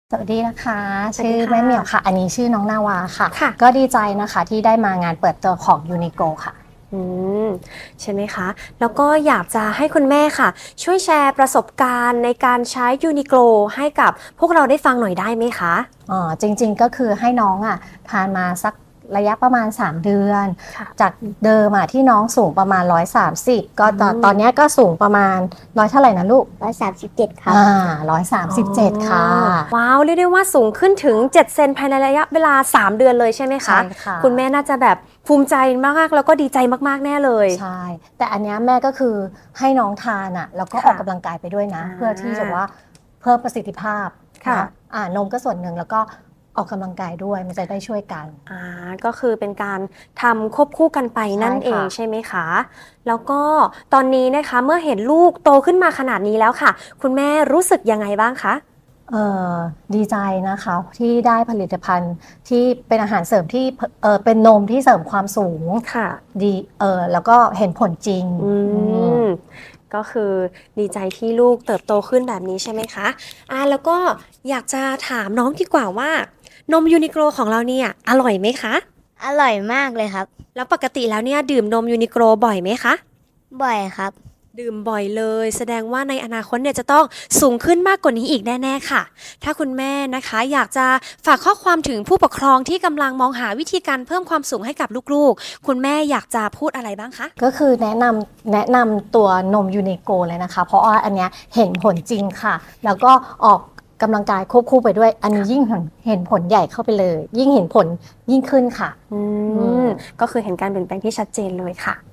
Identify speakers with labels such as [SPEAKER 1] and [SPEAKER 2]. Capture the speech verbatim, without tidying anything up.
[SPEAKER 1] สวัสดีนะคะชื่อ
[SPEAKER 2] สวัสดีค่ะ
[SPEAKER 1] แม่เหมียวค่ะ อันนี้ชื่อน้องนาวาค่ะ
[SPEAKER 2] ค่ะ
[SPEAKER 1] ก็ดีใจนะคะที่ได้มางานเปิดตัวของยูนิโกค่ะ
[SPEAKER 2] อืมใช่ไหมคะ แล้วก็อยากจะให้คุณแม่ค่ะ ช่วยแชร์ประสบการณ์ในการใช้ยูนิโกลให้กับพวกเราได้ฟังหน่อยได้ไหมคะ
[SPEAKER 1] อ๋อจริงๆก็คือให้น้องอ่ะทานมาสักระยะประมาณสามเดือน
[SPEAKER 2] ค่ะ
[SPEAKER 1] จากเดิมอ่ะที่น้องสูงประมาณหนึ่งร้อยสามสิบก็ตอน
[SPEAKER 2] อืม
[SPEAKER 1] ตอนเนี้ยก็สูงประมาณร้อยเท่าไหร่นะลูก
[SPEAKER 3] ร้อยสามสิบเจ็ดครับ
[SPEAKER 1] อ่าร้อยสามสิบเจ็ดค่ะ
[SPEAKER 2] ว้าวเรียกได้ว่าสูงขึ้นถึงเจ็ดเซนภายในระยะเวลาสามเดือนเลยใช่ไหมคะ
[SPEAKER 1] ใช่ค่ะ
[SPEAKER 2] คุณแม่น่าจะแบบภูมิใจมากๆแล้วก็ดีใจมากๆแน่เลย
[SPEAKER 1] ใช่ แต่อันเนี้ยแม่ก็คือให้น้องทานอ่ะแล้วก็
[SPEAKER 2] ค่ะ
[SPEAKER 1] ออกกำลังกายไปด้วยนะ
[SPEAKER 2] อ่า
[SPEAKER 1] เพื่อที่จะว่าเพิ่มประสิทธิภาพ
[SPEAKER 2] ค่ะ
[SPEAKER 1] นอ่านมก็ส่วนหนึ่งแล้วก็ออกกำลังกายด้วยมันจะได้ช่วยกัน
[SPEAKER 2] อ่าก็คือเป็นการทำควบคู่กันไปนั่น
[SPEAKER 1] ใช่ค่ะ
[SPEAKER 2] เองใช่ไหมคะ แล้วก็ตอนนี้นะคะเมื่อเห็นลูกโตขึ้นมาขนาดนี้แล้วค่ะ คุณแม่รู้สึกยังไงบ้างคะ
[SPEAKER 1] เอ่อดีใจนะคะที่ได้ผลิตภัณฑ์ที่เป็นอาหารเสริมที่เออเป็นนมที่เสริมความสูง
[SPEAKER 2] ค่ะ
[SPEAKER 1] ดีเออแล้วก็เห็นผลจริง
[SPEAKER 2] อื
[SPEAKER 1] อืม
[SPEAKER 2] มก็คือดีใจที่ลูกเติบโตขึ้นแบบนี้ใช่ไหมคะอ่าแล้วก็อยากจะถามน้องดีกว่าว่านมยูนิโกลของเราเนี่ยอร่อยไหมคะ
[SPEAKER 3] อร่อยมากเลยครับ
[SPEAKER 2] แล้วปกติแล้วเนี่ยดื่มนมยูนิโกลบ่อยไหมคะ
[SPEAKER 3] บ่อยครับ
[SPEAKER 2] ดื่มบ่อยเลย แสดงว่าในอนาคตเนี่ยจะต้องสูงขึ้นมากกว่านี้อีกแน่ๆค่ะ ถ้าคุณแม่นะคะอยากจะฝากข้อความถึงผู้ปกครองที่กำลังมองหาวิธีการเพิ่มความสูงให้กับลูกๆ คุณแม่อยากจะพูดอะไรบ้างคะ
[SPEAKER 1] ก็คือแนะนำแนะนำตัวนมยูนิโกเลยนะคะ เพราะว่าอันเนี้ยเห็นผลจริงค่ะ แล้วก็ออกกำลังกายควบคู่ไปด้วย อันนี้ยิ่งเห็นเห็นผลใหญ่เข้าไปเลย ยิ่งเห็นผลยิ่งขึ้นค่ะ
[SPEAKER 2] อื
[SPEAKER 1] อื
[SPEAKER 2] ม
[SPEAKER 1] ม
[SPEAKER 2] ก็คือเห็นการเปลี่ยนแปลงที่ชัดเจนเลยค่ะ